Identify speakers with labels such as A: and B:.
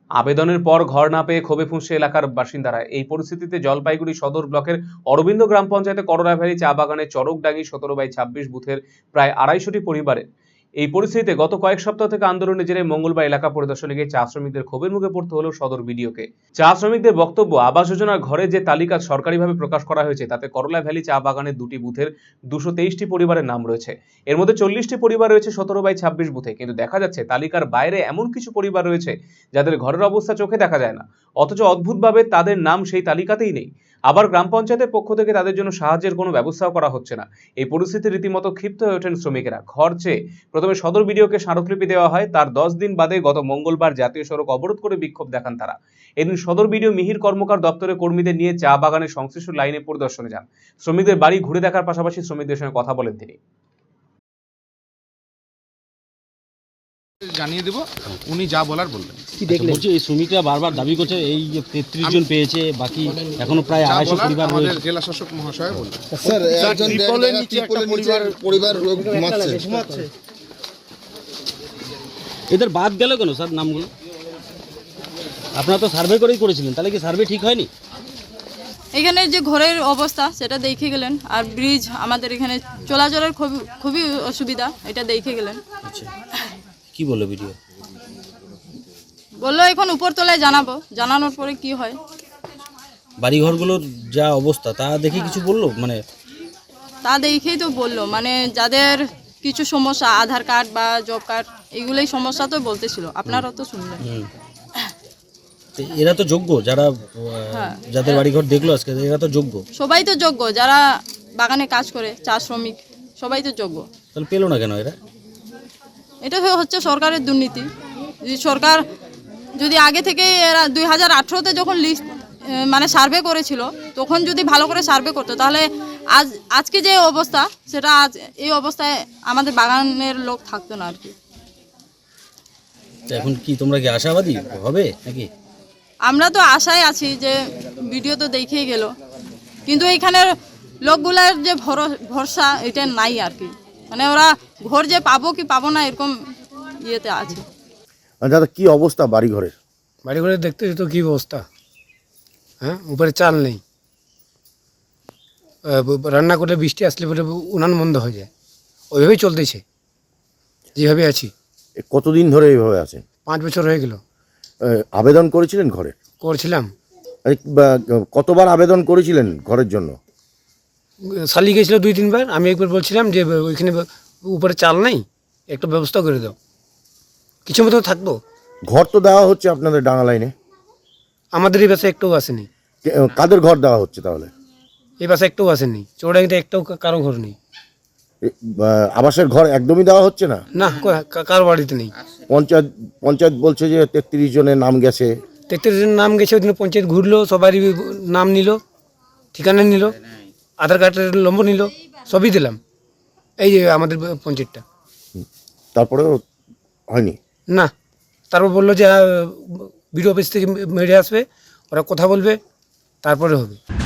A: আবেদনের পর ঘর না পেয়ে ক্ষোভে ফুঁসছে এলাকার বাসিন্দারা। এই পরিস্থিতিতে জলপাইগুড়ি সদর ব্লকের অরবিন্দ গ্রাম পঞ্চায়েতে করোনা ভ্যালি চা বাগানের চরকডাঙ্গি 17/26 বুথের প্রায় 250টি পরিবারের এই পরিস্থিতিতে গত কয়েক সপ্তাহ থেকে আন্দোলনের জেরে মঙ্গলবার এলাকা পরিদর্শনে গিয়ে চা শ্রমিকদের ক্ষোভের মুখে পড়তে হলো সদর বিডিওকে। চা শ্রমিকদের বক্তব্য, আবাস যোজনার ঘরে যে তালিকা সরকারিভাবে প্রকাশ করা হয়েছে তাতে করোনা ভ্যালি চা বাগানের 2টি বুথের 223টি পরিবারের নাম রয়েছে। এর মধ্যে 40টি পরিবার রয়েছে 17/26 বুথে, কিন্তু দেখা যাচ্ছে তালিকার বাইরে এমন কিছু পরিবার রয়েছে যাদের ঘরের অবস্থা চোখে দেখা যায় না, অথচ অদ্ভুতভাবে তাদের নাম সেই তালিকাতেই নেই। আবার গ্রাম পঞ্চায়েতের পক্ষ থেকে তাদের জন্য সাহায্যের কোনো ব্যবস্থাও করা হচ্ছে না। এই পরিস্থিতি রীতিমতো ক্ষিপ্ত হয়ে ওঠেন শ্রমিকেরা। ঘর চেয়ে প্রথমে সদর বিডিওকে স্মারকলিপি দেওয়া হয়, তার 10 দিন বাদে গত মঙ্গলবার জাতীয় সড়ক অবরোধ করে বিক্ষোভ দেখান তারা। এদিন সদর বিডিও মিহির কর্মকার দপ্তরের কর্মীদের নিয়ে চা বাগানের সংশ্লিষ্ট লাইনে পরিদর্শনে যান। শ্রমিকদের বাড়ি ঘুরে দেখার পাশাপাশি শ্রমিকদের সঙ্গে কথা বলেন তিনি।
B: জানিয়ে দেব, উনি যা বলার বলবেন।
C: কি দেখলেন? বলছি এই শ্রমিকরা বারবার দাবি করছে এই যে 33 জন পেয়েছে, বাকি এখনো প্রায় 250 পরিবার
B: আমাদের
C: রয়েছে।
B: জেলা শাসক মহাশয় বললেন।
D: স্যার, একজন ত্রিপলের নিচে একটা পরিবার ঘুমাচ্ছে।
C: এদের বাদ গেল কেন স্যার নামগুলো? আপনারা তো সার্ভে করেই করেছিলেন, তাহলে কি সার্ভে ঠিক হয়নি?
E: এখানে যে ঘরের অবস্থা সেটা দেখে গেলেন, আর ব্রিজ আমাদের এখানে চলাচলের খুবই অসুবিধা, এটা দেখে গেলেন।
C: আচ্ছা, কি বললো ভিডিও?
E: বললো এখন উপরতলায় জানাবো, জানানোর পরে কি হয়।
C: বাড়িঘরগুলোর যা অবস্থা তা দেখে কিছু বললো? মানে
E: তা দেখেই তো বললো, মানে যাদের কিছু সমস্যা, আধার কার্ড বা জব কার্ড, এগুলোই সমস্যা তো বলতেছিল, আপনারাও তো শুনলেন।
C: এরা তো যোগ্য, যারা যাদের বাড়িঘর দেখলো আজকে, এরা তো যোগ্য।
E: সবাই তো যোগ্য, যারা বাগানে কাজ করে, চা শ্রমিক, সবাই তো যোগ্য।
C: তাহলে পেলো না কেন এরা?
E: এটা হচ্ছে সরকারের দুর্নীতি। সরকার যদি আগে থেকে এরা 2018-তে যখন লিস্ট মানে সার্ভে করেছিল, তখন যদি ভালো করে সার্ভে করতো, তাহলে আজকে যে অবস্থা, সেটা আজ এই অবস্থায় আমাদের বাগানের লোক থাকতো না আর কি।
C: এখন কি তোমরা কি আশাবাদী হবে নাকি?
E: আমরা তো আশায় আছি যে ভিডিও তো দেখেই গেল, কিন্তু এইখানের লোকগুলার যে ভরসা এটা নাই আর কি। মানে ওরা ঘর যে পাবো কি পাবো না এরকম ইয়েতে আছে।
D: দাদা, কি অবস্থা বাড়িঘরের?
F: বাড়িঘরের দেখতে তো কী অবস্থা, হ্যাঁ, উপরে চাল নেই, রান্না করে বৃষ্টি আসলে পরে উনান বন্ধ হয়ে যায়, ওইভাবেই চলতেছে যেভাবে আছি।
D: কতদিন ধরে এইভাবে আছেন?
F: 5 বছর হয়ে গেল।
D: আবেদন করেছিলেন ঘরে?
F: করছিলাম।
D: কতবার আবেদন করেছিলেন ঘরের জন্য?
F: শালি গেছিলো 2-3 বার। আমি একবার বলছিলাম যে ওইখানে উপরে চাল নেই, একটু ব্যবস্থা করে দাও, কিছু মতো থাকতো।
D: ঘর তো দেওয়া হচ্ছে আপনাদের ডাঙা লাইনে,
F: আমাদের এই বাসে একটাও আসেনি।
D: কাদের ঘর দেওয়া হচ্ছে তাহলে?
F: এই বাসে একটাও আসেনি, চৌড়াঙ্গিতে একটাও কারো ঘর নেই।
D: আবাসের ঘর একদমই দেওয়া হচ্ছে না?
F: না, কারো বাড়িতে নেই।
D: পঞ্চায়েত বলছে যে 33 জনের নাম গেছে।
F: 33 জনের নাম গেছে। ওই দিন পঞ্চায়েত ঘুরলো, সবারই নাম নিল, ঠিকানা নিল, আধার কার্ডের নম্বর নিল, সবই দিলাম এই যে আমাদের পঞ্চায়েতটা।
D: তারপরেও হয়নি?
F: না, তারপর বললো যে বিডিও অফিস থেকে মেরে আসবে, ওরা কথা বলবে, তারপরে হবে।